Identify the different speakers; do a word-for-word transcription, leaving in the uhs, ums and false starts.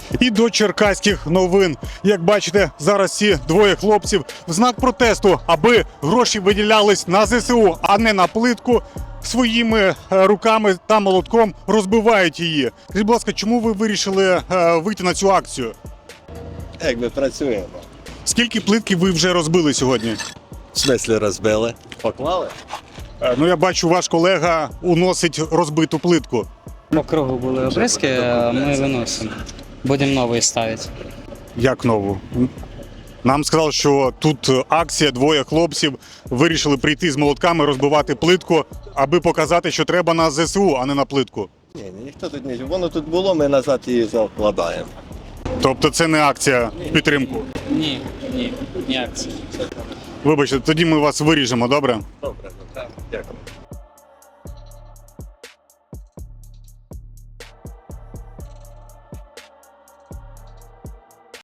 Speaker 1: І до черкаських новин. Як бачите, зараз ці двоє хлопців в знак протесту, аби гроші виділялись на зе се у, а не на плитку, своїми е, руками та молотком розбивають її. Скажіть, будь ласка, чому ви вирішили е, вийти на цю акцію?
Speaker 2: Якби працюємо.
Speaker 1: Скільки плитки ви вже розбили сьогодні?
Speaker 2: В смислі розбили? Поклали?
Speaker 1: Е, ну, я бачу, ваш колега уносить розбиту плитку.
Speaker 3: По кругу були обрізки, а ми виносимо. Будемо новий ставити.
Speaker 1: Як нову? Нам сказали, що тут акція, двоє хлопців вирішили прийти з молотками, розбивати плитку, аби показати, що треба на зе се у, а не на плитку.
Speaker 2: Ні, ні, ніхто тут не. Воно тут було, ми назад її закладаємо.
Speaker 1: Тобто це не акція в підтримку.
Speaker 3: Ні, ні, ні акції.
Speaker 1: Вибачте, тоді ми вас виріжемо, добре?
Speaker 2: Добре, ну так. Дякую.